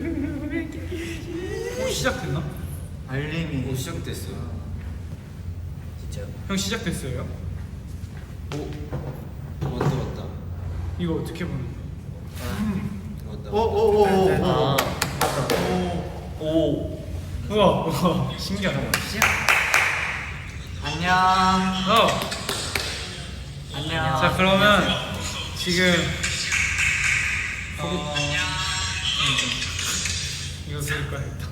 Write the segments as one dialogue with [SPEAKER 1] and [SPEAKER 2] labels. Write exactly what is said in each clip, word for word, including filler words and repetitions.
[SPEAKER 1] 어, 시작됐나?
[SPEAKER 2] 알림이
[SPEAKER 3] 오 시작됐어요.
[SPEAKER 2] 진짜요?
[SPEAKER 1] 형 시작됐어요?
[SPEAKER 3] 오 왔다 왔다
[SPEAKER 1] 이거 어떻게 보는 거야?
[SPEAKER 3] 왔다.
[SPEAKER 2] 오오오오
[SPEAKER 3] 아.
[SPEAKER 1] 오. 우와, 우와, 신기하다.
[SPEAKER 2] 안녕.
[SPEAKER 1] 어.
[SPEAKER 2] 안녕.
[SPEAKER 1] 자, 그러면 지금 어, 이거 쓸 거야 일단.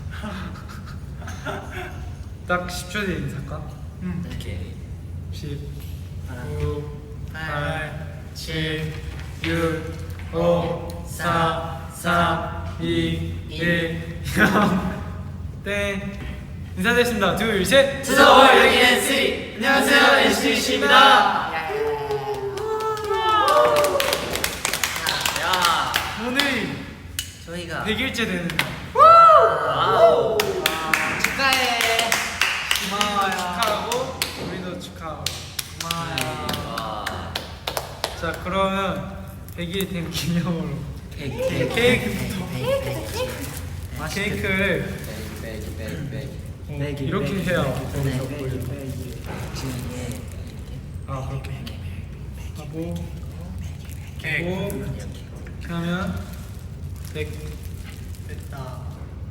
[SPEAKER 1] 딱 십 초 뒤에 인사할까?
[SPEAKER 2] 응.
[SPEAKER 3] 오케이.
[SPEAKER 1] 십, 구, 팔, 칠, 육, 오, 사, 삼, 이, 일, 영. 땡. 인사드리겠습니다. 둘, 셋.
[SPEAKER 2] 투서워 여기 엔씨. 안녕하세요 엔씨씨입니다. 야.
[SPEAKER 1] 오늘
[SPEAKER 2] 저희가
[SPEAKER 1] 백 일째 되는 날.
[SPEAKER 2] 와우. 축하해. 고마워요.
[SPEAKER 1] 축하하고 우리도 축하하고.
[SPEAKER 2] 고마워요.
[SPEAKER 1] 자, 그러면 백 일 된 기념으로
[SPEAKER 2] 케이크
[SPEAKER 1] 케이크부터.
[SPEAKER 2] 맛있게.
[SPEAKER 1] 케이크를
[SPEAKER 3] 빼기 빼기 빼기.
[SPEAKER 1] 어,
[SPEAKER 2] 빼기,
[SPEAKER 1] 이렇게
[SPEAKER 2] 빼기,
[SPEAKER 1] 해야
[SPEAKER 2] 빼기,
[SPEAKER 1] 거기서
[SPEAKER 2] 빼기,
[SPEAKER 1] 보여.
[SPEAKER 2] 지금 이게
[SPEAKER 1] 아, 그렇게 하고
[SPEAKER 2] 케이크.
[SPEAKER 1] 하고
[SPEAKER 2] 이렇게.
[SPEAKER 1] 그러면 백.
[SPEAKER 2] 됐다.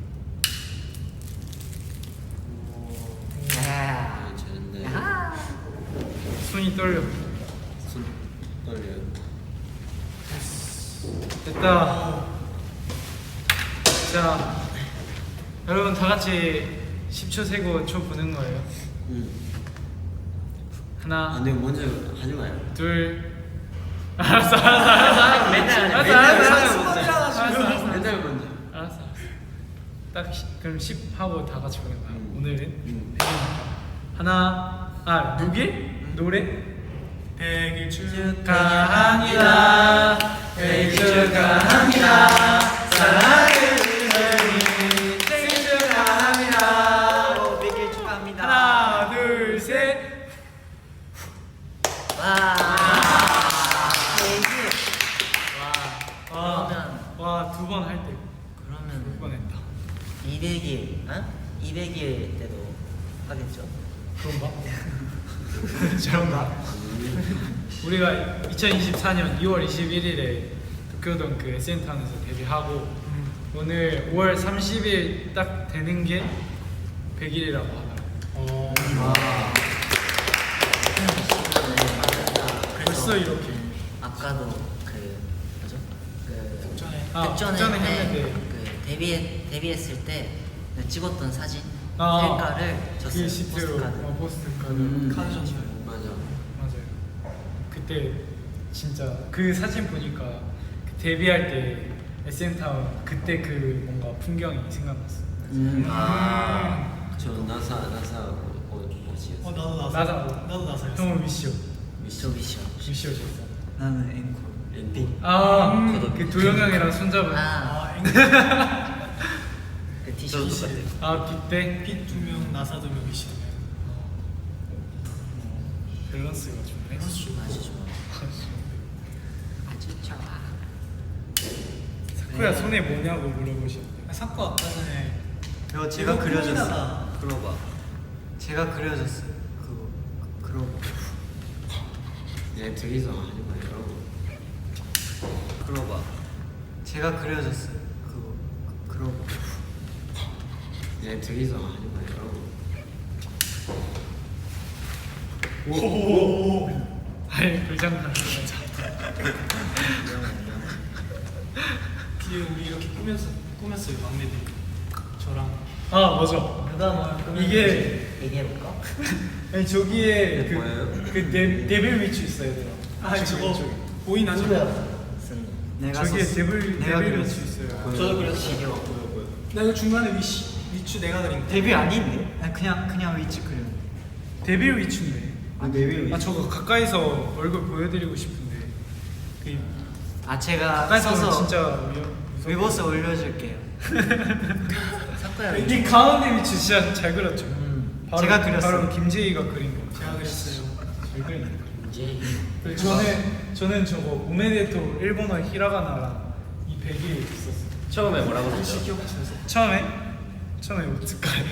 [SPEAKER 3] 아 잘한다.
[SPEAKER 2] 야.
[SPEAKER 1] 손이 떨려.
[SPEAKER 3] 손 떨려요.
[SPEAKER 1] 됐다. 자, 여러분 다 같이 십 초 세고 초 보는 거예요.
[SPEAKER 3] 응.
[SPEAKER 1] 하나,
[SPEAKER 3] 아 근데 먼저 하지 마요.
[SPEAKER 1] 둘. 알았어, 알았어, 알았어, 알았어.
[SPEAKER 3] 맨날 하냐,
[SPEAKER 1] 알았어,
[SPEAKER 3] 맨날
[SPEAKER 1] 알았어,
[SPEAKER 3] 하는
[SPEAKER 1] 알았어,
[SPEAKER 3] 거지.
[SPEAKER 1] 알았어, 알았어.
[SPEAKER 3] 맨날 먼저.
[SPEAKER 1] 알았어, 알았어. 딱 시, 그럼 십 하고 다 같이 보는 거야.
[SPEAKER 3] 음.
[SPEAKER 1] 오늘은
[SPEAKER 3] 음.
[SPEAKER 1] 백 일이니까. 하나, 아 누길 노래. 백 일 축하합니다. 백 일 축하합니다. 사랑하는 은혜님 생일 축하합니다.
[SPEAKER 2] 백 일 축하합니다.
[SPEAKER 1] 하나, 둘, 셋.
[SPEAKER 2] 와. 케이크. 와. 그러면
[SPEAKER 1] 와, 두 번 할 때. 두 번
[SPEAKER 2] 그러면
[SPEAKER 1] 했다.
[SPEAKER 2] 이백 일, 어? 이백 일 때도 하겠죠?
[SPEAKER 1] 그런가? 저런가? 우리가 이천이십사 년 이월 이십일일에 도쿄돔 그 에스엔타운에서 데뷔하고 오늘 오월 삼십일 딱 되는 게 백 일이라고 하더라고.
[SPEAKER 2] 어.
[SPEAKER 1] 벌써 이렇게.
[SPEAKER 2] 아까도 그 뭐죠? 그
[SPEAKER 1] 특전에. 아,
[SPEAKER 2] 특전에
[SPEAKER 1] 특전에
[SPEAKER 2] 때
[SPEAKER 1] 했는데.
[SPEAKER 2] 그 데뷔 데뷔했을 때 찍었던 사진
[SPEAKER 1] 아,
[SPEAKER 2] 셀카를 줬어요.
[SPEAKER 1] 그 시트로
[SPEAKER 2] 포스트카드.
[SPEAKER 1] 어, 포스트카드.
[SPEAKER 3] 음.
[SPEAKER 1] 카드 줬어요.
[SPEAKER 3] 맞아.
[SPEAKER 1] 맞아요. 그때 진짜 그 사진 보니까 그 데뷔할 때 에스엔타운 그때 그 뭔가 풍경이 생각났어.
[SPEAKER 3] 음.
[SPEAKER 2] 아.
[SPEAKER 3] 저 나사 나사 옷이었어.
[SPEAKER 4] 어 나도 나서
[SPEAKER 1] 나사.
[SPEAKER 4] 나도 나서였어.
[SPEAKER 1] 형은 위시오.
[SPEAKER 2] 미션 미션.
[SPEAKER 1] 위시오셨어.
[SPEAKER 4] 나는 앵콜.
[SPEAKER 3] 랜디.
[SPEAKER 1] 아,
[SPEAKER 2] 음.
[SPEAKER 1] 그 도영 형이랑 손잡은. 아,
[SPEAKER 2] 아,
[SPEAKER 4] 아 앵콜.
[SPEAKER 2] 그 티셔츠 같아.
[SPEAKER 1] 빗대.
[SPEAKER 4] 빛두 명, 나사 두 명, 미션.
[SPEAKER 1] 밸런스가 좋네.
[SPEAKER 4] 밸런스 좋아.
[SPEAKER 2] 아주 좋아. 아주 좋아.
[SPEAKER 1] 사쿠야 손에 뭐냐고 물어보셨는데.
[SPEAKER 4] 사코 아까 전에
[SPEAKER 2] 이거
[SPEAKER 4] 제가 그려줬어.
[SPEAKER 3] 그러봐.
[SPEAKER 2] 제가 그려줬어요. 그거 그러고.
[SPEAKER 3] 얘 둘이서 하지 마요. 그러봐.
[SPEAKER 2] 제가 그려줬어요. 그거 그러고.
[SPEAKER 3] 얘 둘이서 하지 마요.
[SPEAKER 1] 오. 아니 불장난.
[SPEAKER 4] 뒤에 우리 이렇게 꾸면서 꾸몄어요 막내들. 저랑.
[SPEAKER 1] 아 맞아.
[SPEAKER 2] 누가 뭘 꾸몄는지
[SPEAKER 1] 이게
[SPEAKER 2] 얘기해볼까?
[SPEAKER 1] 아니 저기에
[SPEAKER 3] 이게
[SPEAKER 1] 그,
[SPEAKER 3] 뭐예요?
[SPEAKER 1] 그 데, 데빌 위치 있어요. 얘들아.
[SPEAKER 4] 아
[SPEAKER 1] 지금
[SPEAKER 4] 저거
[SPEAKER 1] 왼쪽에.
[SPEAKER 4] 보이나죠?
[SPEAKER 2] 쓴
[SPEAKER 4] 내가
[SPEAKER 1] 저기에
[SPEAKER 4] 썼어.
[SPEAKER 1] 데빌
[SPEAKER 2] 내가
[SPEAKER 1] 데빌
[SPEAKER 2] 그렸어.
[SPEAKER 1] 위치 있어요.
[SPEAKER 4] 저도 그렸어.
[SPEAKER 2] 시려.
[SPEAKER 4] 나 이거 중간에 위치 위치 내가 그린 거.
[SPEAKER 5] 데뷔 아닌데? 아니, 그냥 그냥 위치 그려.
[SPEAKER 1] 데빌 위치인데.
[SPEAKER 5] 아 데뷔
[SPEAKER 1] 아 저거 가까이서 얼굴 보여드리고 싶은데. 그
[SPEAKER 5] 아 제가
[SPEAKER 1] 가까이서 보면
[SPEAKER 5] 써서
[SPEAKER 1] 진짜 위험.
[SPEAKER 5] 위버스 올려줄게요.
[SPEAKER 2] 사쿠야.
[SPEAKER 1] 이 가운데 위치 진짜 잘 그렸죠.
[SPEAKER 5] 음.
[SPEAKER 1] 바로,
[SPEAKER 5] 제가 그렸어요.
[SPEAKER 1] 바로 김재희가 그린 거.
[SPEAKER 4] 제가 그렸어요.
[SPEAKER 1] 잘 그리네.
[SPEAKER 3] 이제
[SPEAKER 1] 그리고 저는 저는 저거 오메데토 일본어 히라가나랑 이 백이 있었어요.
[SPEAKER 3] 처음에 뭐라고 했죠?
[SPEAKER 1] 처음에 처음에 오츠카레.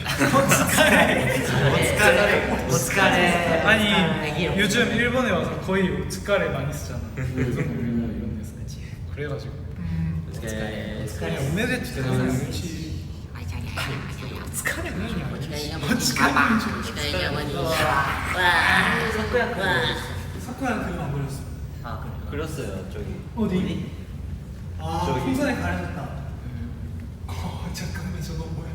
[SPEAKER 5] 오츠카레. 오츠카레.
[SPEAKER 1] 아니 요즘 일본에 와서 거의 오츠카레 많이 쓰잖아. 방송국이나 이런 데서. 그래가지고
[SPEAKER 3] 네.
[SPEAKER 1] 그냥 오메데토 되는 거지.
[SPEAKER 4] 사쿠야 그림 안 그렸어.
[SPEAKER 2] 아 그래.
[SPEAKER 3] 그렸어요 저기.
[SPEAKER 4] 어디? 아
[SPEAKER 3] 저기.
[SPEAKER 4] 풍선에 가려졌다. 어 잠깐만 저거 뭐야?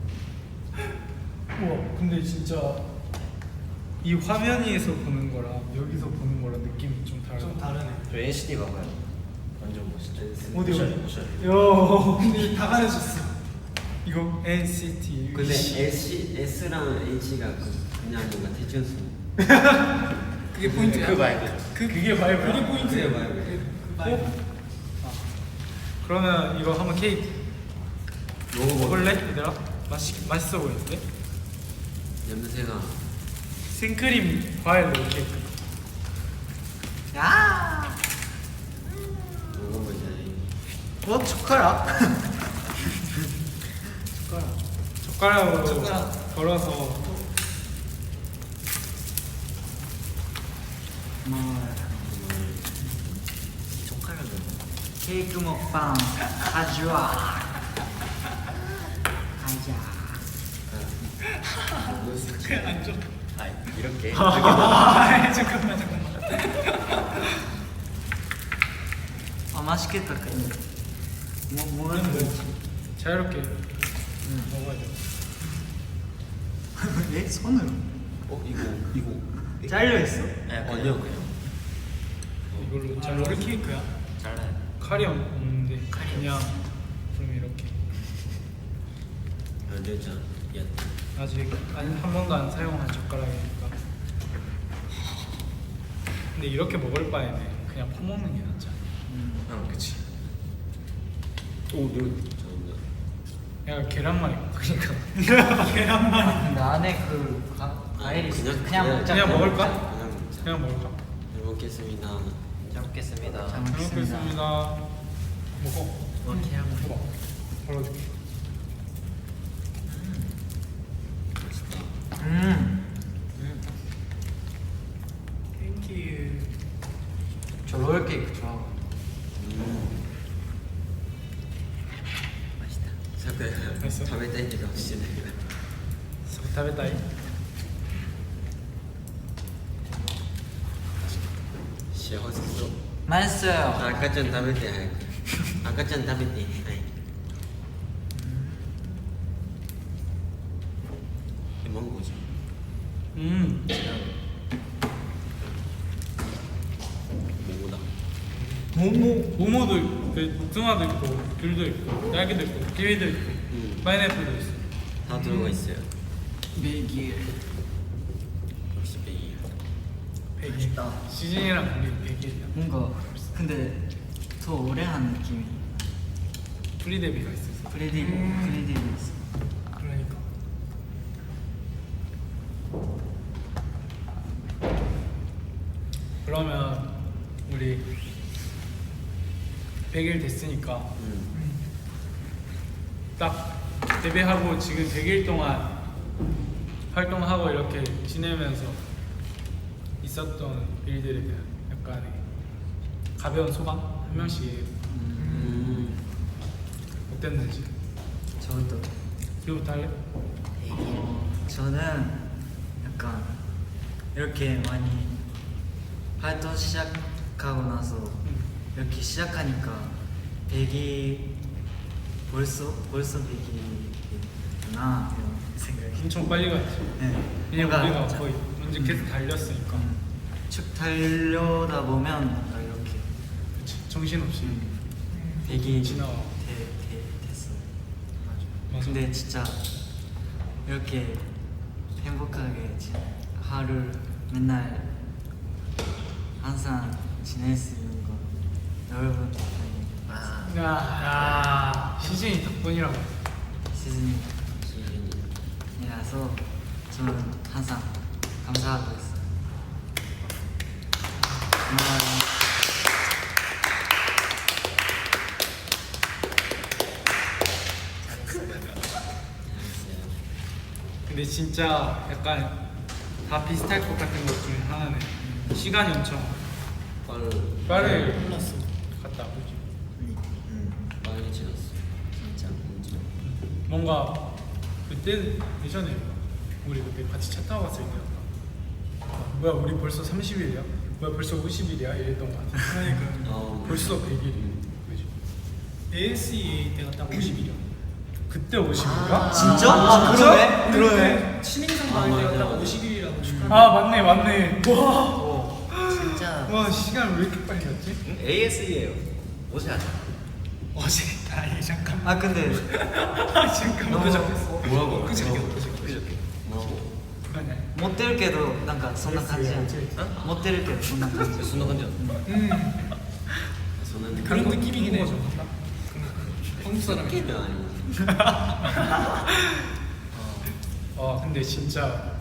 [SPEAKER 1] 우와 근데 진짜 이 화면 위에서 보는 거랑 여기서 보는 거랑 느낌이 좀 다르다.
[SPEAKER 4] 좀 다르네.
[SPEAKER 3] 저 엔시티 봐봐요. 완전 멋있죠.
[SPEAKER 1] 어디 어디?
[SPEAKER 3] 오션.
[SPEAKER 1] 요
[SPEAKER 4] 근데 다 가려졌어.
[SPEAKER 1] 이거 엔시티.
[SPEAKER 3] 근데 S S랑 H가 그냥 뭔가 대천수.
[SPEAKER 4] 그게 포인트야.
[SPEAKER 3] 그 말고.
[SPEAKER 1] 그 그게 바이브야?
[SPEAKER 4] 그게 포인트야.
[SPEAKER 3] 그게 바이브.
[SPEAKER 4] 그 바이브.
[SPEAKER 1] 아. 그러면 이거 한번 케이크 먹을래 얘들아? 맛있 맛있어 보이는데?
[SPEAKER 3] 냄새가.
[SPEAKER 1] 생크림 과일 롤 케이크.
[SPEAKER 5] 야.
[SPEAKER 3] 먹어보자.
[SPEAKER 5] 어 젓가락.
[SPEAKER 1] 젓가락. 젓가락으로
[SPEAKER 4] 젓가락.
[SPEAKER 1] 덜어서.
[SPEAKER 5] 뭐
[SPEAKER 2] 젓가락은
[SPEAKER 5] 케이크 먹방 가져와. 가자.
[SPEAKER 1] 그냥 안 줘.
[SPEAKER 3] 아 이렇게.
[SPEAKER 1] 아 잠깐만 잠깐만.
[SPEAKER 5] 아 맛있겠다 근데. 뭐 뭐는 뭐지?
[SPEAKER 1] 자유롭게 먹어야 돼.
[SPEAKER 5] 예? 손으로?
[SPEAKER 3] 어 이거 이거.
[SPEAKER 5] 잘려 있어?
[SPEAKER 3] 네, 아니요 그냥.
[SPEAKER 1] 이걸로
[SPEAKER 4] 아
[SPEAKER 1] 잘
[SPEAKER 4] 롤
[SPEAKER 1] 먹을게.
[SPEAKER 4] 케이크야?
[SPEAKER 2] 잘라요.
[SPEAKER 1] 칼이 없는데 그냥 좀 이렇게.
[SPEAKER 3] 알려줘. 야.
[SPEAKER 1] 아직 안, 한 번도 안 사용한 젓가락이니까. 근데 이렇게 먹을 바에는 그냥 퍼먹는 게 낫지 않아?
[SPEAKER 3] 아 그치. 오 눈. 잘한다.
[SPEAKER 1] 약간 계란말이 그러니까
[SPEAKER 4] 계란말이.
[SPEAKER 5] 근데 안에 그 가, 과일이 있어.
[SPEAKER 3] 그냥-
[SPEAKER 5] 그냥
[SPEAKER 3] 그냥-
[SPEAKER 5] 먹자.
[SPEAKER 1] 그냥 먹을까?
[SPEAKER 3] 그냥 먹자.
[SPEAKER 1] 그냥 먹을까?
[SPEAKER 3] 잘 먹겠습니다.
[SPEAKER 2] 잘 먹겠습니다.
[SPEAKER 5] 잘
[SPEAKER 1] 잘
[SPEAKER 5] 먹겠습니다.
[SPEAKER 1] 먹겠습니다. 먹어.
[SPEAKER 2] 뭐 계란말이.
[SPEAKER 1] 먹어. 덜어줄게.
[SPEAKER 3] 맛있다.
[SPEAKER 5] 음.
[SPEAKER 1] 땡큐.
[SPEAKER 5] 저 롤 케이크 좋아하고.
[SPEAKER 3] 음.
[SPEAKER 2] 맛있다.
[SPEAKER 3] 사쿠야.
[SPEAKER 1] 맛있어?
[SPEAKER 3] 食べたいって顔してないけど。
[SPEAKER 1] 食べたい?
[SPEAKER 3] 시원했어.
[SPEAKER 5] 맛있어요.
[SPEAKER 3] 아까 전食べて 早く. 아까 전 食べて.はい. 이 망고지.
[SPEAKER 1] 음.
[SPEAKER 3] 뭐다.
[SPEAKER 1] 모모. 모모도 있고, 그 복숭아도 있고, 귤도 있고, 딸기도 있고, 키위도 있고,
[SPEAKER 3] 음.
[SPEAKER 1] 파인애플도 있어.
[SPEAKER 3] 다 들어가 있어요.
[SPEAKER 5] 베길.
[SPEAKER 3] 역시 베이.
[SPEAKER 1] 백일.
[SPEAKER 2] 맛있다.
[SPEAKER 1] 시즌이랑 우리 백일이야.
[SPEAKER 5] 뭔가 근데 더 오래 한 느낌이.
[SPEAKER 1] 프리데뷔가 있어서.
[SPEAKER 5] 프레디 프레디 있어.
[SPEAKER 1] 그러니까. 그러면 우리 백 일 됐으니까
[SPEAKER 3] 음.
[SPEAKER 1] 딱 데뷔하고 지금 백 일 동안 활동하고 이렇게 지내면서 있었던 일들에 대한 약간의 가벼운 소감 한 명씩
[SPEAKER 3] 음.
[SPEAKER 1] 어땠는지.
[SPEAKER 5] 저도.
[SPEAKER 1] 이거부터 할래?
[SPEAKER 5] 어, 저는 약간 이렇게 많이 활동 시작하고 나서 이렇게 시작하니까 백이 벌써 벌써 백이구나 이런 생각이.
[SPEAKER 1] 엄청 빨리 갔지.
[SPEAKER 5] 네.
[SPEAKER 1] 왜냐면 우리가
[SPEAKER 5] 뭔가
[SPEAKER 1] 거의 먼저 계속 달렸으니까.
[SPEAKER 5] 쭉 달려다 보면 뭔가 이렇게
[SPEAKER 1] 그치. 정신없이
[SPEAKER 5] 백이
[SPEAKER 1] 지나와.
[SPEAKER 5] 되, 되, 됐어.
[SPEAKER 1] 맞아.
[SPEAKER 5] 근데 진짜 이렇게 행복하게 지- 하루 맨날 항상 지낼 수 있는 거 여러분 덕분에
[SPEAKER 2] 아,
[SPEAKER 1] 야, 야 시즌이 덕분이라고.
[SPEAKER 5] 시즌이
[SPEAKER 3] 시즌이.
[SPEAKER 5] 이라서 저는 항상 감사하고 있어요. 고마워요.
[SPEAKER 1] 근데 진짜 약간 다 비슷할 것 같은 것 중에 하나는 시간이 엄청
[SPEAKER 3] 빠르
[SPEAKER 1] 빠르게
[SPEAKER 4] 흘렀어.
[SPEAKER 1] 갔다 오지.
[SPEAKER 2] 음, 음,
[SPEAKER 3] 빠르게 지났어.
[SPEAKER 2] 진짜.
[SPEAKER 3] 진짜.
[SPEAKER 1] 뭔가 그때 예전에 우리 그때 같이 차 타고 갔을 때 약간 아, 뭐야 우리 벌써 삼십 일이야? 뭐야 벌써 오십 일이야? 이랬던 것 같아.
[SPEAKER 4] 그러니까
[SPEAKER 3] 어.
[SPEAKER 1] 벌써 백 일이. 그지?
[SPEAKER 4] 에이에스이에이 때가 딱 오십 일이야.
[SPEAKER 1] 그때 오십 일이야?
[SPEAKER 2] 아,
[SPEAKER 5] 진짜? 아, 그러네. 그러네.
[SPEAKER 4] 신인상
[SPEAKER 3] 아,
[SPEAKER 4] 받을 때가
[SPEAKER 3] 맞아,
[SPEAKER 4] 딱
[SPEAKER 3] 맞아.
[SPEAKER 4] 오십 일이라고 축하.
[SPEAKER 1] 아 맞네 맞네. 와.
[SPEAKER 2] 진짜.
[SPEAKER 1] 와 시간 왜 이렇게 빨리 갔지?
[SPEAKER 6] 에이에스이에요. 어제 하자.
[SPEAKER 4] 어제 아니 잠깐.
[SPEAKER 5] 아 근데
[SPEAKER 1] 아 잠깐만.
[SPEAKER 5] 너무
[SPEAKER 6] 뭐라고?
[SPEAKER 4] 그저께
[SPEAKER 6] 그저께. 그저께.
[SPEAKER 3] 뭐라고?
[SPEAKER 1] 아니야.
[SPEAKER 5] 持ってるけどなんかそんな感じやん持ってるけどそんな感じ
[SPEAKER 6] 순간 간지.
[SPEAKER 1] 음.
[SPEAKER 3] 저는
[SPEAKER 4] 그런 느낌이긴 해.
[SPEAKER 1] 한국어 좀 한다?
[SPEAKER 4] 한국 사람이.
[SPEAKER 3] 게임은 아니지.
[SPEAKER 1] 아 근데 진짜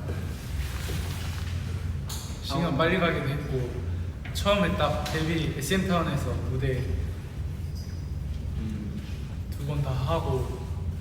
[SPEAKER 1] 시간 빨리 가기도 했고 처음에 딱 데뷔 에스엠타운에서 무대
[SPEAKER 3] 음.
[SPEAKER 1] 두 번 다 하고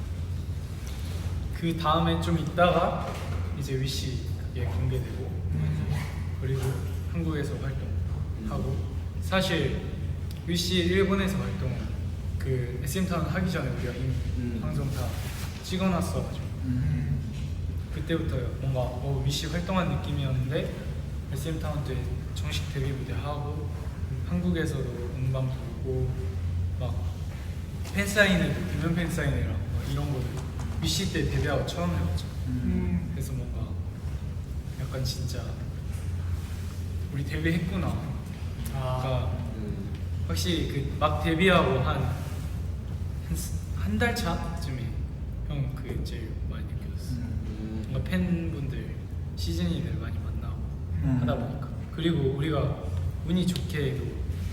[SPEAKER 1] 그 다음에 좀 있다가 이제 위시 그게 공개되고 그리고 한국에서 활동하고 사실 위시 일본에서 활동 그 에스엠타운 하기 전에 우리가 이미
[SPEAKER 3] 음.
[SPEAKER 1] 방송 다 찍어놨어가지고
[SPEAKER 5] 음.
[SPEAKER 1] 그때부터 뭔가 어, 위시 활동한 느낌이었는데 에스엠타운 때 정식 데뷔 무대 하고 한국에서도 음반 부르고 막 팬사인회도 대면 팬사인회랑 막 이런 거를 위시 때 데뷔하고 처음 해봤죠.
[SPEAKER 5] 음.
[SPEAKER 1] 그래서 뭔가 약간 진짜 우리 데뷔했구나.
[SPEAKER 4] 아.
[SPEAKER 1] 그러니까
[SPEAKER 3] 음.
[SPEAKER 1] 확실히 그 막 데뷔하고 한 한 달 차쯤에 형 그게 제일 많이 느껴졌어.
[SPEAKER 3] 음.
[SPEAKER 1] 뭔가 팬분들 시즌이들 많이 만나고
[SPEAKER 5] 음.
[SPEAKER 1] 하다 보니까 그리고 우리가 운이 좋게도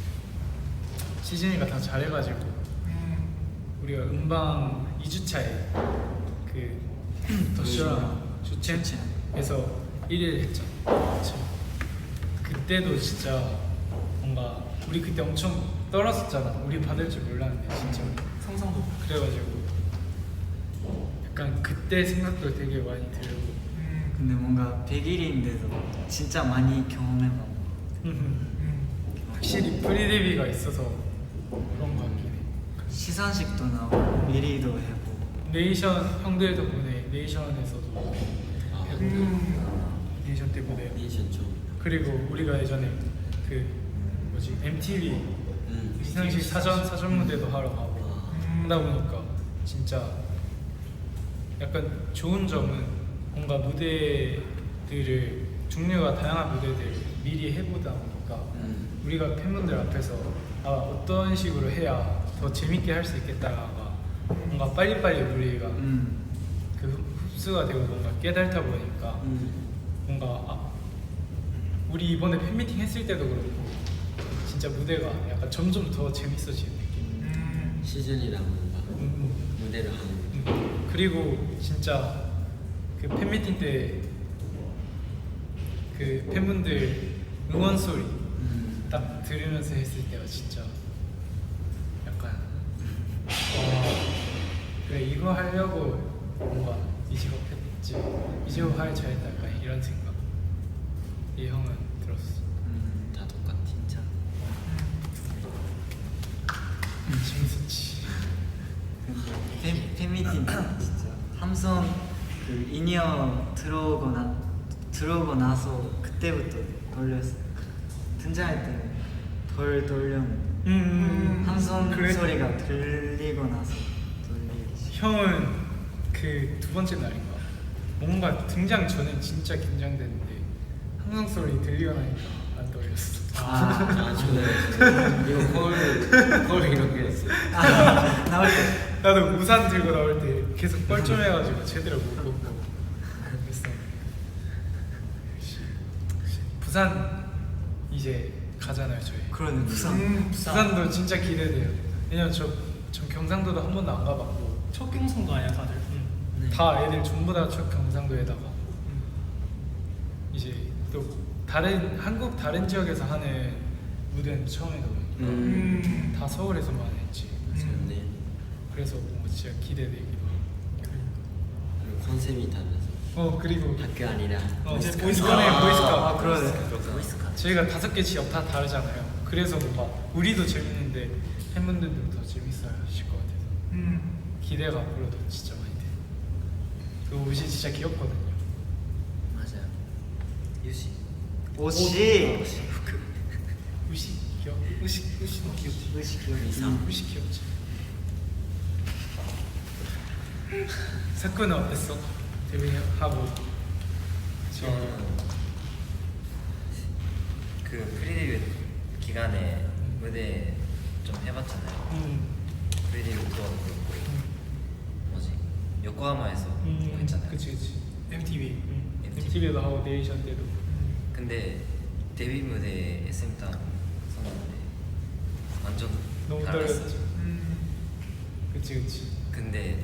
[SPEAKER 1] 시즌이가 다 잘해가지고 우리가 음방 이 주차에 그 더쇼랑 주첸에서 일 위를 했잖아. 그쵸? 그때도 진짜 뭔가 우리 그때 엄청 떨었었잖아. 우리 받을 줄 몰랐는데 진짜 우리.
[SPEAKER 4] 상상도.
[SPEAKER 1] 그래가지고 약간 그때 생각도 되게 많이 들고
[SPEAKER 5] 근데 뭔가 백 일인데도 진짜 많이 경험해봐.
[SPEAKER 1] 확실히 프리데뷔가 있어서 그런 거 같긴 해.
[SPEAKER 5] 시상식도 나오고 미리도 해보고.
[SPEAKER 1] 네이션 형들 덕분에 네이션에서도
[SPEAKER 3] 아.
[SPEAKER 1] 해보고 네이션 때 무대
[SPEAKER 3] 리액션 좀.
[SPEAKER 1] 그리고 우리가 예전에 그 뭐지 엠티비
[SPEAKER 3] 음.
[SPEAKER 1] 시상식 사전 사전 무대도 하러 가고
[SPEAKER 3] 아.
[SPEAKER 1] 하다 보니까 진짜 약간 좋은 점은 뭔가 무대들을 종류가 다양한 무대들 미리 해보다 보니까
[SPEAKER 3] 음.
[SPEAKER 1] 우리가 팬분들 앞에서 아, 어떤 식으로 해야 더 재밌게 할 수 있겠다가 뭔가 빨리빨리 우리가
[SPEAKER 5] 음.
[SPEAKER 1] 그 흡수가 되고 뭔가 깨달다 보니까
[SPEAKER 3] 음.
[SPEAKER 1] 뭔가 아, 우리 이번에 팬미팅 했을 때도 그렇고 진짜 무대가 약간 점점 더 재밌어지는 느낌.
[SPEAKER 3] 시즌이랑 뭔가
[SPEAKER 1] 음,
[SPEAKER 3] 무대를 하는.
[SPEAKER 1] 음. 그리고 진짜 그 팬미팅 때 그 팬분들 응원 소리
[SPEAKER 3] 음.
[SPEAKER 1] 딱 들으면서 했을 때가 진짜 약간 와 그래 이거 하려고 뭔가 이 직업 했지 이 직업 하길 잘했다 약간 이런 생각 이 형은 들었어.
[SPEAKER 5] 음.
[SPEAKER 3] 다 똑같아 진짜.
[SPEAKER 1] 재밌었지.
[SPEAKER 5] 근데 팬, 팬미팅 진짜 함성 그 인이어 들어오고 나 들어오고 나서 그때부터 돌렸어. 등장할 때는 덜 돌렸는데
[SPEAKER 1] 음,
[SPEAKER 5] 함성
[SPEAKER 1] 그래?
[SPEAKER 5] 소리가 들리고 나서 돌리기 시작.
[SPEAKER 1] 형은 그 두 번째 날인가 뭔가 등장 전에 진짜 긴장됐는데 함성 소리 들리고 나니까 안 떨렸어.
[SPEAKER 5] 아,
[SPEAKER 3] 아 저는 이거 거울 거울 이렇게 했어.
[SPEAKER 5] 아 나올 때.
[SPEAKER 1] 나도 우산 들고 나올 때 계속 뻘쭘해가지고 제대로 못 보고 그랬어. 부산 이제 가잖아요 저희.
[SPEAKER 5] 그러네 부산.
[SPEAKER 1] 음, 부산도 진짜 기대돼요. 왜냐면 저, 저 경상도도 한 번도 안 가봤고
[SPEAKER 4] 첫 경성도 아니야 다들.
[SPEAKER 1] 음,
[SPEAKER 2] 네.
[SPEAKER 1] 다 애들 전부 다 첫 경상도에다가 이제 또 다른 한국 다른 지역에서 하는 무대는 처음 해보니까
[SPEAKER 3] 음.
[SPEAKER 1] 다 서울에서만 했지.
[SPEAKER 3] 맞네.
[SPEAKER 1] 그래서 뭔가 진짜 기대되기도 하고.
[SPEAKER 3] 그리고 컨셉이 달라서.
[SPEAKER 1] 어 그리고
[SPEAKER 3] 학교 아니라
[SPEAKER 1] 어
[SPEAKER 4] 이제
[SPEAKER 1] 이제
[SPEAKER 4] 보이스카ut.
[SPEAKER 1] 보이스카네 보이스카ut.
[SPEAKER 5] 아, 그러네.
[SPEAKER 2] 보이스카.
[SPEAKER 1] 저희가 다섯 개 지역 다 다르잖아요. 그래서 뭔가 우리도 재밌는데 팬분들도 더 재밌어야 하실 것 같아서
[SPEAKER 4] 음.
[SPEAKER 1] 기대가 앞으로도 진짜 많이 돼요. 그 옷이 진짜 귀엽거든요.
[SPEAKER 2] 맞아요.
[SPEAKER 6] 유시.
[SPEAKER 5] 옷이
[SPEAKER 1] 옷이 귀여. 옷이 옷이 너무 귀엽지.
[SPEAKER 5] 옷이 귀여워.
[SPEAKER 2] 이상.
[SPEAKER 1] 옷이 귀엽지. 사쿠는 어땠어? 데뷔하고
[SPEAKER 6] 저는 그 프리데뷔 기간에 무대 좀 해봤잖아요.
[SPEAKER 1] 음.
[SPEAKER 6] 프리데뷔 투어도 그렇고 뭐지 요코하마에서 했잖아요.
[SPEAKER 1] 그치 그치.
[SPEAKER 4] 엠티비.
[SPEAKER 1] 음. 엠티비도 하고 네이션 때도.
[SPEAKER 6] 근데 데뷔 무대 에스엠타운 선봤는데 완전
[SPEAKER 1] 너무
[SPEAKER 6] 달랐어요.
[SPEAKER 1] 떨렸죠.
[SPEAKER 4] 음.
[SPEAKER 1] 그치 그치.
[SPEAKER 6] 근데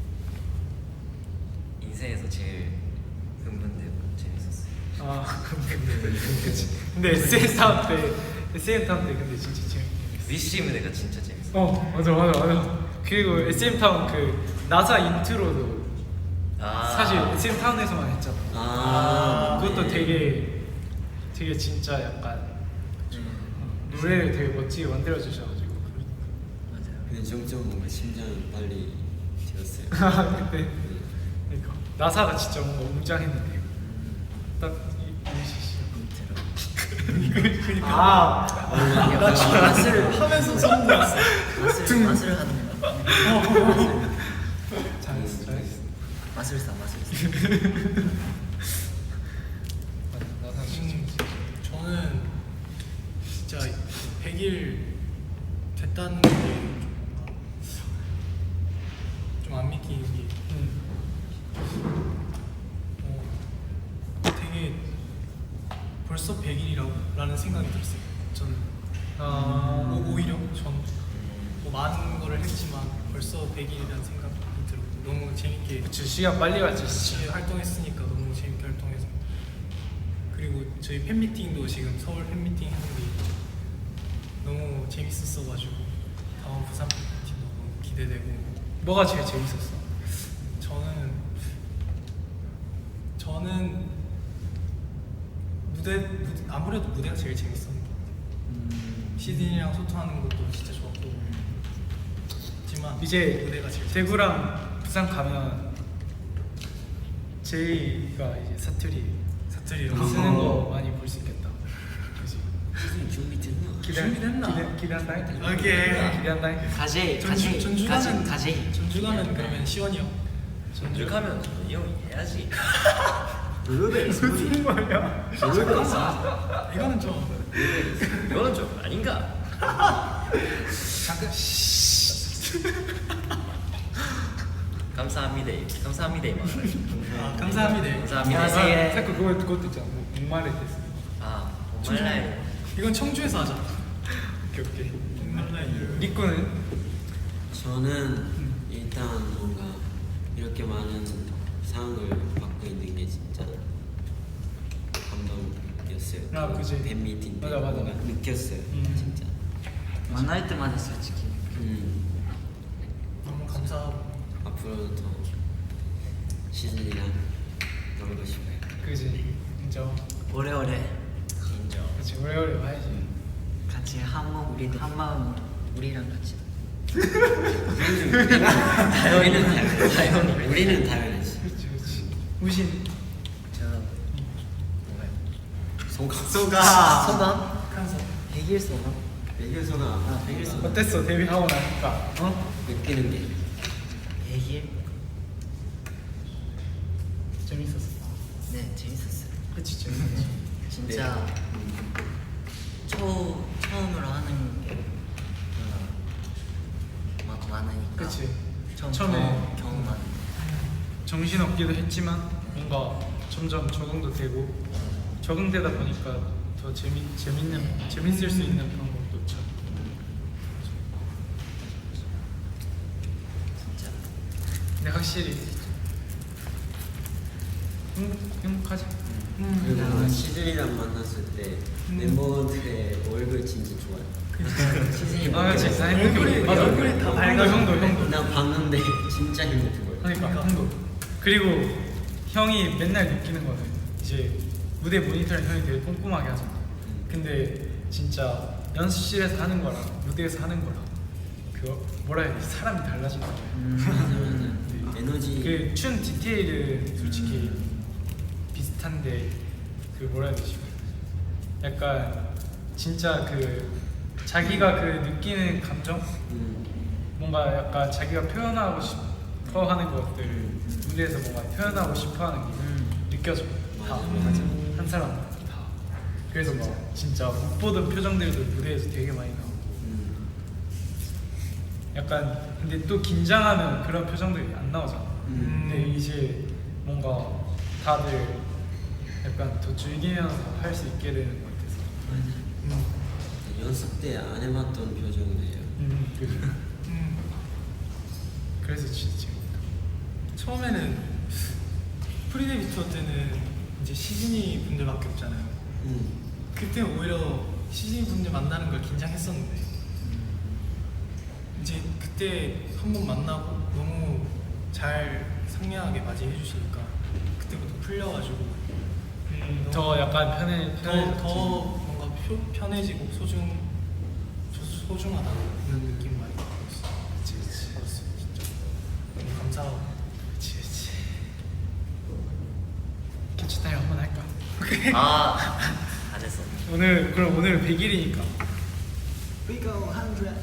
[SPEAKER 6] 인생에서 제일 흥분되고 재밌었어요.
[SPEAKER 1] 아 그치. 근데 에스엠 타운 때 에스엠 타운 때 근데 진짜 재밌게 했어.
[SPEAKER 6] 위시 무대가 진짜 재밌어요.
[SPEAKER 1] 어 맞아 맞아 맞아. 그리고 에스엠 타운 그 나사 인트로도
[SPEAKER 6] 아.
[SPEAKER 1] 사실 에스엠 타운에서만 했잖아.
[SPEAKER 3] 아,
[SPEAKER 1] 그것도
[SPEAKER 3] 네.
[SPEAKER 1] 되게 되게 진짜 약간 노래를 되게 멋지게 만들어 주셔가지고.
[SPEAKER 2] 맞아요.
[SPEAKER 3] 근데 점점 뭔가 심장이 빨리 뛰었어요.
[SPEAKER 1] 그때 그러니까 나사가 진짜 뭔가 웅장했는데 딱 이-
[SPEAKER 2] 인트로.
[SPEAKER 5] 아,
[SPEAKER 2] 나 지금 맛을
[SPEAKER 4] 하면서 소름 돋았어.
[SPEAKER 2] 맛을 맛을 하는 거.
[SPEAKER 1] 잘했어 잘했어.
[SPEAKER 2] 맛을 싸 맛을 싸.
[SPEAKER 1] 맞아, 나사 진짜.
[SPEAKER 4] 음, 저는 진짜 백 일 됐다는 게 좀 안 믿기는 게
[SPEAKER 1] 음.
[SPEAKER 4] 어, 되게 벌써 백 일이라는 생각이 들었어요. 저는
[SPEAKER 1] 아
[SPEAKER 4] 오- 오히려 전뭐 많은 거를 했지만 벌써 백 일이라는 생각이 들었고 너무 재밌게
[SPEAKER 1] 그치 시간 빨리 갔지 진짜.
[SPEAKER 4] 같이 활동했으니까 너무 재밌게 활동해서 그리고 저희 팬미팅도 지금 서울 팬미팅 했는데 너무 재밌었어가지고 다음 부산 팬미팅도 너무 기대되고
[SPEAKER 1] 뭐가 제일 재밌었어?
[SPEAKER 4] 저는 저는 무대, 무대 아무래도 무대가 제일 재밌었던 것 같아요.
[SPEAKER 5] 음,
[SPEAKER 4] 시드니랑 소통하는 것도 진짜 좋았고 하지만
[SPEAKER 1] 이제
[SPEAKER 4] 무대가 제일
[SPEAKER 1] 대구랑 부산 가면 제이가 이제 사투리
[SPEAKER 4] 사투리로
[SPEAKER 1] 쓰는 거 많이 볼 수 있겠다. 그지?
[SPEAKER 3] 무슨 준비됐나?
[SPEAKER 1] 기대
[SPEAKER 4] 준비됐나?
[SPEAKER 1] 기대 기대한다.
[SPEAKER 4] 오케이.
[SPEAKER 1] 기대한다.
[SPEAKER 5] 가제
[SPEAKER 4] 전주
[SPEAKER 5] 가제
[SPEAKER 4] 전주
[SPEAKER 5] 가제
[SPEAKER 4] 가면
[SPEAKER 5] 가제.
[SPEAKER 4] 전주 가면 그러면 시원이 형
[SPEAKER 6] 전주 가면 이 형이 해야지.
[SPEAKER 3] 블루베리
[SPEAKER 1] 무슨 말이야?
[SPEAKER 3] 블루베리 있어.
[SPEAKER 4] 이거는 좀
[SPEAKER 6] 이거는 좀 아닌가?
[SPEAKER 4] 잠깐
[SPEAKER 6] 감사합니다. 감사합니다. 이
[SPEAKER 4] 아, 감사합니다.
[SPEAKER 6] 감사합니다.
[SPEAKER 1] 아, 자꾸 그거 그것도 있잖아. 뭐 목말을 때 쓰는 거.
[SPEAKER 6] 아, 정말
[SPEAKER 4] 이건 청주에서 하자.
[SPEAKER 1] 오케이 오케이.
[SPEAKER 4] 온라인.
[SPEAKER 1] 리꾸는
[SPEAKER 3] 저는 일단 뭔가 이렇게 많은 상을 받고 있는 게 진짜 감동이었어요.
[SPEAKER 1] 아, 그지.
[SPEAKER 3] 팬미팅 때
[SPEAKER 1] 맞아, 맞아.
[SPEAKER 3] 뭔가 느꼈어요.
[SPEAKER 1] 음.
[SPEAKER 3] 진짜.
[SPEAKER 5] 만날 때마다 솔직히
[SPEAKER 3] 음.
[SPEAKER 4] 너무 감사하고
[SPEAKER 3] 앞으로도 더 시즌이랑 놀고 싶어요.
[SPEAKER 1] 그지. 인정.
[SPEAKER 5] 오래오래
[SPEAKER 6] 인정.
[SPEAKER 1] 그렇지 오래오래 봐야지.
[SPEAKER 5] 같이 한 마음
[SPEAKER 2] 우리도.
[SPEAKER 5] 한 마음.
[SPEAKER 2] 우리랑 같이.
[SPEAKER 3] 우리는 당연히 우리는 당연하지.
[SPEAKER 1] 그렇지 그렇지. 우신
[SPEAKER 2] 저 뭐가요?
[SPEAKER 3] 소감.
[SPEAKER 5] 소가
[SPEAKER 2] 소감?
[SPEAKER 4] 칸서
[SPEAKER 2] 백 일 소감?
[SPEAKER 3] 백일 소감.
[SPEAKER 2] 아, 백일 소감.
[SPEAKER 1] 어땠어 데뷔하고 나니까? 어?
[SPEAKER 3] 느끼는 게
[SPEAKER 2] 백 일?
[SPEAKER 1] 재밌었어.
[SPEAKER 2] 네 재밌었어요.
[SPEAKER 1] 그치 재밌었지.
[SPEAKER 2] 진짜 초 처음으로 하는 게 뭔가 막 많으니까.
[SPEAKER 1] 그치.
[SPEAKER 2] 처음
[SPEAKER 1] 처음에
[SPEAKER 2] 경험, 경험하는.
[SPEAKER 1] 정신 없기도 했지만 뭔가 점점 적응도 되고 적응되다 보니까 더 재미 재밌는 재밌을 수 있는 방법도 참.
[SPEAKER 2] 진짜.
[SPEAKER 1] 근데 확실히 행복 행복하지.
[SPEAKER 3] 그리고 뭔가 시즌이랑 만났을 때 멤버들의 얼굴 진짜 좋아요.
[SPEAKER 2] 시즌이
[SPEAKER 1] 아 그치. 나 행복해.
[SPEAKER 4] 얼굴이-
[SPEAKER 1] 맞아.
[SPEAKER 4] 얼굴이 다
[SPEAKER 1] 형도 형도 형도.
[SPEAKER 3] 나 봤는데 진짜 행복해 보여.
[SPEAKER 1] 그러니까 형도. 그리고 형이 맨날 느끼는 거는 이제 무대 모니터링 형이 되게 꼼꼼하게 하잖아. 근데 진짜 연습실에서 하는 거랑 무대에서 하는 거랑 그 뭐라 해야 되지? 사람이 달라지는 거예요.
[SPEAKER 3] 음. 에너지.
[SPEAKER 1] 그 춤 디테일은 솔직히 비슷한데 그 뭐라 해야 되지? 약간 진짜 그 자기가 그 느끼는 감정
[SPEAKER 3] 음.
[SPEAKER 1] 뭔가 약간 자기가 표현하고 싶어 하는 것들 무대에서 뭔가 표현하고 싶어 하는 게 느껴져. 다
[SPEAKER 3] 맞아.
[SPEAKER 1] 한 사람 다. 그래서 막 진짜 못 보던 표정들도 무대에서 되게 많이 나오고.
[SPEAKER 3] 음.
[SPEAKER 1] 약간 근데 또 긴장하면 그런 표정들이 안 나오잖아.
[SPEAKER 3] 음.
[SPEAKER 1] 근데 이제 뭔가 다들 약간 더 즐기면서 할 수 있게 되는 것 같아서. 음,
[SPEAKER 3] 연습 때 안 해봤던 표정이에요.
[SPEAKER 1] 음, 그죠.
[SPEAKER 4] 음,
[SPEAKER 1] 그래서 진짜 재밌다.
[SPEAKER 4] 처음에는 프리데뷔 투어 때는 이제 시즈니 분들밖에 없잖아요.
[SPEAKER 3] 음.
[SPEAKER 4] 그때 오히려 시즈니 분들 만나는 걸 긴장했었는데 이제 그때 한 번 만나고 너무 잘 상냥하게 맞이해 주시니까 그때부터 풀려가지고
[SPEAKER 1] 음, 더 약간 편해
[SPEAKER 4] 더,
[SPEAKER 1] 편해졌지.
[SPEAKER 4] 더 뭔가 표, 편해지고 소중 소- 소중하다는 그런 느낌 많이 받았어요.
[SPEAKER 1] 그치, 그치.
[SPEAKER 4] 받았어요, 진짜. 너무 감사하고.
[SPEAKER 1] 그치, 그치. 캐치 타임 한번 할까?
[SPEAKER 6] 아, 안 했어.
[SPEAKER 1] 오늘 그럼 오늘 백 일이니까.
[SPEAKER 5] We go hundred.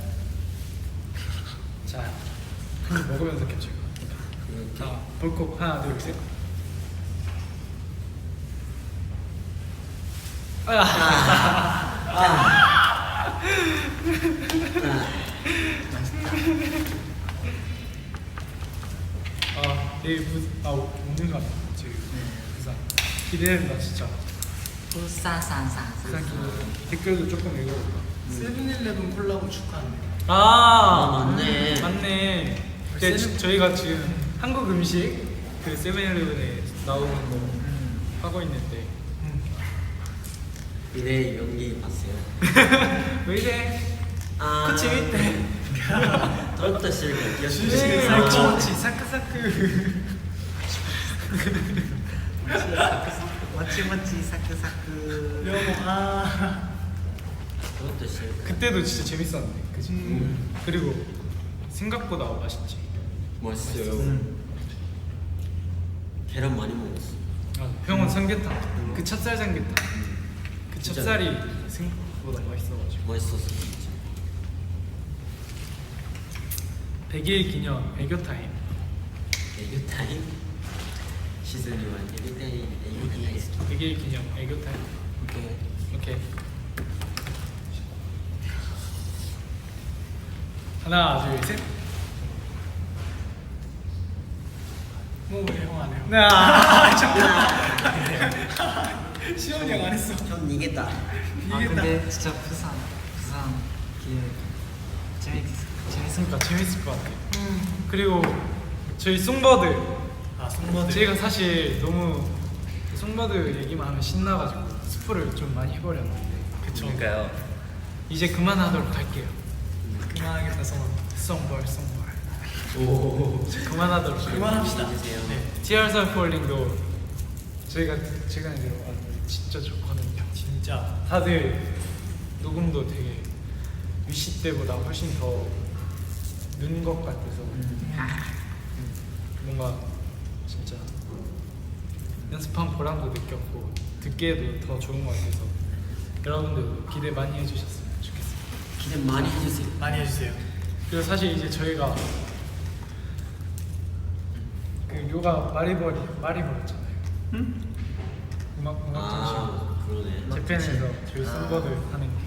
[SPEAKER 1] 자, 한 입 먹으면서 캡처. 자, 볼콕 하나, 둘, 셋. 아, 내일 부, 아, 오는 거 아니야? 지금 부산. 기대된다, 진짜.
[SPEAKER 5] 부산산산산.
[SPEAKER 1] 부산 기대. 댓글도 조금 읽어볼까?
[SPEAKER 4] 세븐일레븐 콜라보 축하한대요.
[SPEAKER 1] 아,
[SPEAKER 3] 아, 맞네.
[SPEAKER 1] 맞네. 근데 지- 저희가 지금 한국 음식 그 세븐일레븐에 나오는 거 하고 있는데
[SPEAKER 3] 미래 연기 봤어요.
[SPEAKER 1] 왜 이래?
[SPEAKER 3] 아.
[SPEAKER 1] 그치 밑에.
[SPEAKER 3] 또또 실패.
[SPEAKER 1] 네,
[SPEAKER 3] 기억해.
[SPEAKER 1] 살찌웠지 사크사크.
[SPEAKER 5] 멋지 멋지 사크사크.
[SPEAKER 4] 여보, 아.
[SPEAKER 3] 또또 실패.
[SPEAKER 1] 그때도 진짜 재밌었는데, 그치?
[SPEAKER 4] 음.
[SPEAKER 1] 그리고 생각보다 맛있지.
[SPEAKER 3] 멋있어요.
[SPEAKER 1] 음.
[SPEAKER 3] 계란 많이 먹었어.
[SPEAKER 1] 아, 형은 삼계탕. 그 찹쌀 삼계탕. 그
[SPEAKER 3] 진짜.
[SPEAKER 1] 찹쌀이 생각보다 맛있어가지고.
[SPEAKER 3] 멋있었어 진짜.
[SPEAKER 1] 백 일 기념 애교 타임.
[SPEAKER 3] 애교 타임. 시즌이만 애교 타임. 애교 타임.
[SPEAKER 1] 백 일 기념 애교 타임.
[SPEAKER 3] 오케이.
[SPEAKER 1] 오케이. 하나, 둘, 셋.
[SPEAKER 4] 뭐왜형안 해요?
[SPEAKER 1] 나.
[SPEAKER 4] 시원이 형 안 했어.
[SPEAKER 3] 형 이겼다.
[SPEAKER 5] 아
[SPEAKER 4] 이겼다.
[SPEAKER 5] 근데 진짜 부산 부산 기회 재밌 재밌을
[SPEAKER 1] 그러니까
[SPEAKER 5] 것 같아.
[SPEAKER 1] 재밌을 것 같아. 그리고 저희 송버드.
[SPEAKER 4] 아, 송버들.
[SPEAKER 1] 제가 사실 너무 송버드 얘기만 하면 신나가지고 스포를 좀 많이 해버렸는데. 그쵸?
[SPEAKER 6] 그러니까요.
[SPEAKER 1] 이제 그만하도록 할게요.
[SPEAKER 4] 그만하겠다, 성원.
[SPEAKER 1] 송벌, 송벌.
[SPEAKER 3] 오.
[SPEAKER 1] 이제 그만하도록. 할게요.
[SPEAKER 4] 그만합시다.
[SPEAKER 1] 네. Tears Are Falling도 저희가 제가 알기로 아, 진짜 좋거든요.
[SPEAKER 4] 진짜.
[SPEAKER 1] 다들 녹음도 되게 위시 때보다 훨씬 더 는 것 같아서 음, 뭔가 진짜 연습한 보람도 느꼈고 듣기에도 더 좋은 것 같아서 여러분들도 기대 많이 해주셨으면 좋겠습니다.
[SPEAKER 3] 기대 많이 해주세요.
[SPEAKER 4] 많이 해주세요.
[SPEAKER 1] 그리고 사실 이제 저희가 그 요가 마리버리 마리버렸잖아요.
[SPEAKER 5] 응?
[SPEAKER 1] 음악 음악 전시.
[SPEAKER 3] 아 그러네.
[SPEAKER 1] 재팬에서 저희
[SPEAKER 3] 아.
[SPEAKER 1] 송버드 하는 게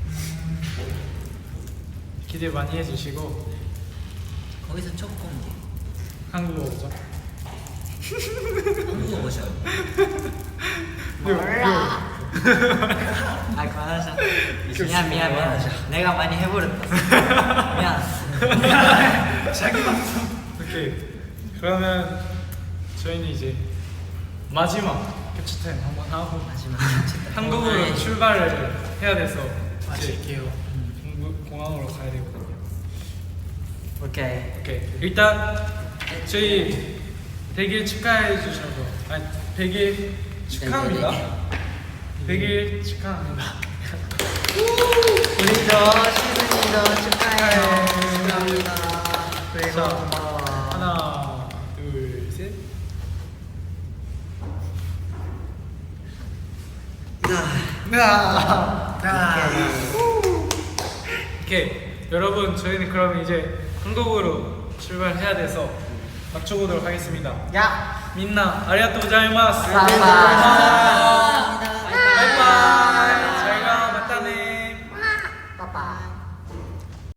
[SPEAKER 1] 기대 많이 해주시고
[SPEAKER 2] 거기서 첫 공개.
[SPEAKER 1] 한국어 오죠?
[SPEAKER 2] 한국어 보셔요.
[SPEAKER 5] 몰라. 아 그만하자. 미안 미안 미안. 내가 많이 해버렸다. 미안.
[SPEAKER 4] 자기 방송.
[SPEAKER 1] 오케이. 그러면 저희는 이제 마지막 캡처 타임 한번 하고
[SPEAKER 2] 마지막
[SPEAKER 1] 한국으로 출발을 해야 돼서 이제
[SPEAKER 4] 마실게요.
[SPEAKER 1] 공부- 공항으로 가야 되거든요.
[SPEAKER 5] 오케이.
[SPEAKER 1] 오케이. 일단 저희 백 일 축하해 주셔서 아니 백 일 축하합니다. 백 일 축하합니다.
[SPEAKER 2] 우리도 시즌이도 축하해요.
[SPEAKER 1] 축하합니다.
[SPEAKER 2] 그리고
[SPEAKER 1] 자,
[SPEAKER 2] 고마워.
[SPEAKER 1] 하나, 둘, 셋. 오케이. 여러분 저희는 그럼 이제 한국으로 출발해야 돼서 맞춰보도록 하겠습니다.
[SPEAKER 2] 야.
[SPEAKER 1] 민나 아리가또 고자이마스.
[SPEAKER 2] 감사합니다.
[SPEAKER 1] 바이바이.